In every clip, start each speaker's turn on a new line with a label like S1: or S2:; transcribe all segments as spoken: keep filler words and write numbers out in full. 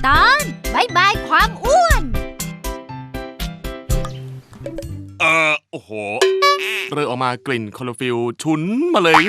S1: ตอนบายบายความอ้วน
S2: เออโอ้โหเริ่มออกมากลิ่นคลอโรฟิลฉุนมาเลย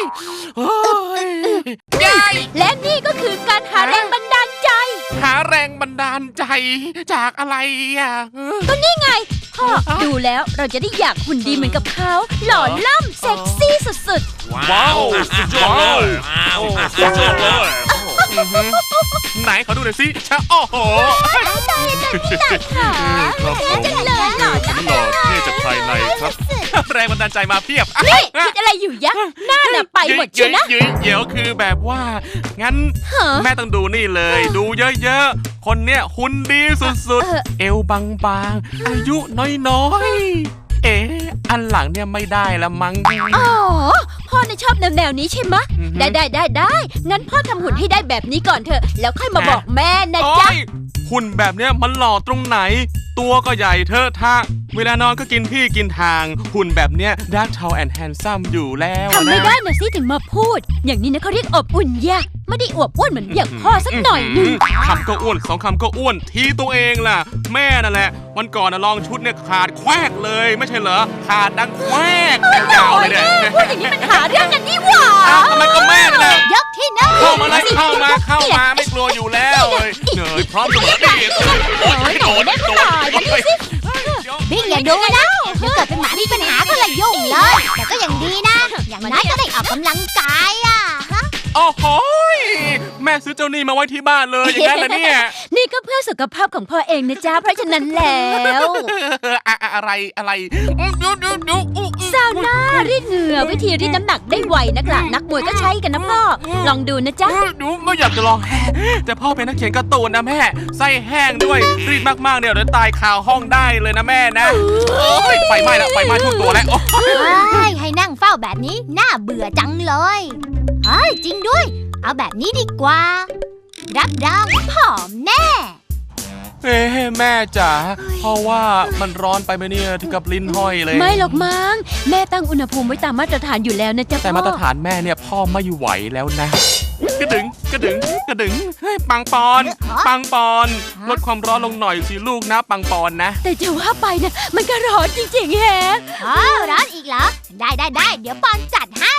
S1: และนี่ก็คือการหาแรงบันดาลใจ
S2: หาแรงบันดาลใจจากอะไรอ่ะ
S1: ก็นี่ไงพ่อดูแล้วเราจะได้อยากหุ่นดีเหมือนกับเขาหล่อล่ำเซ็กซี่สุด
S2: ๆว้าวสุดยอดเลยสุดยอดเลยไหนขอดูหน่อยสิชะโอ้โห
S1: ตายจังนี่แหละค่ะจังเลยหล่อจัง
S2: หล่อเท่จากภายในครับแรงบันดาลใจมาเพียบ
S1: นี่คิดอะไรอยู่ยักษ์หน้าน่ะไปหมดเชียวนะ
S2: เดี๋ยวคือแบบว่างั้นแม่ต้องดูนี่เลยดูเยอะๆคนเนี้ยหุ่นดีสุดๆเอวบางๆอายุน้อยๆเอ๊ะอันหลังเนี่ยไม่ได้ละมั้ง
S1: อ๋อพ่อเนี่ยชอบแนวๆนี้ใช่ไหมได้ได้ได้ได้งั้นพ่อทำหุ่นให้ได้แบบนี้ก่อนเถอะแล้วค่อยมาบอกแม่นะจ๊ะ
S2: หุ่นแบบเนี้ยมันหล่อตรงไหนตัวก็ใหญ่เทอะทะเวลานอนก็กินที่กินทางหุ่นแบบเนี้ยดักทาวแอนด์แฮนซัมอยู่แล้ว
S1: ทำไม่ได้นะสิถึงมาพูดอย่างนี้นะเขาเรียกอบอุ่นยะไม่ได้อวบอ้วนเหมือนอย่างพ่อสักหน่อยนึง
S2: คำก็อ้วนสองคำก็อ้วนทีตัวเองล่ะแม่นั่นแหละวันก่อนนะลองชุดเนี่ยขาดแควกเลยไม่ใช่เหรอขาดดังแควกยาวเลยเนี่ย
S1: พูดอย่างนี้มันหาเรื่องกันนี่หว่า
S2: มันก็แม่นั่นแหละ
S1: ยกที่หนึ่ง
S2: เข้ามาเลยเข้ามาเข้ามาไม่กลัวอยู่แล้วเลยเหนื่อยพร้อมเสมอดี
S1: โอ้ยโดนได้ก็ได้มาดิสิบิ๊กอย่าดูนะเดี๋ยวเกิดเป็นหมามีปัญหาก็เลยยุ่งเลยแต่ก็ยังดีนะอย่างน้อยก็ได้ออกกำลังกายอ่ะ
S2: โอ้โหแม่ซื้อเจ้านี่มาไว้ที่บ้านเลยอย่างนั้นเหรอเนี่ย
S1: นี่ก็เพื่อสุขภาพของพ่อเองนะจ๊ะเพราะฉะนั้นแล้ว
S2: อะไรอะไร
S1: ซาวน่ารีดเหงื่อวิธีรีดน้ำหนักได้ไวนักล่ะนักมวยก็ใช้กันนะพ่อลองดูนะจ๊ะ
S2: ดูไม่อยากจะลองแต่พ่อเป็นนักเขียนการ์ตูนนะแม่ไส้แห้งด้วยรีดมากๆเดี๋ยวจะตายคาห้องได้เลยนะแม่นะไฟไหม้แล้วไฟไหม้ทุกตัวแล้ว
S1: ให้นั่งเฝ้าแบบนี้น่าเบื่อจังเลยเฮ้ยจริงด้วยเอาแบบนี้ดีกว่ารับรองผอมแน่
S2: เอ๊ะแม่จ๋าเพราะว่ามันร้อนไปไหมเนี่ยถึงกับลิ้นห้อยเลย
S1: ไม่หรอกมั้งแม่ตั้งอุณหภูมิไว้ตามมาตรฐานอยู่แล้วนะจ๊ะ
S2: แต่มาตรฐานแม่เนี่ยพ่อไม่ไหวแล้วนะกระดึงกระดึงกระดึงเฮ้ยปังปอนปังปอนลดความร้อนลงหน่อยสิลูกนะปังปอนนะ
S1: แต่จะว่าไปนะมันก็ร้อนจริงๆแฮะอ๋อร้อนอีกเหรอได้ได้ได้เดี๋ยวปอนจัดให้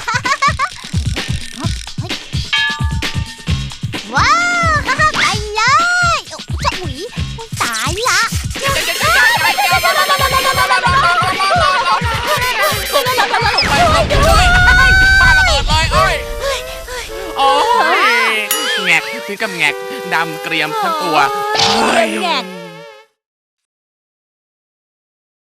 S1: ว้าวไปเลยจะอุ๋ยตายละ
S2: โอ้ยแงกถึงกับแงกดำเกรียมทั้งตัว
S1: แงก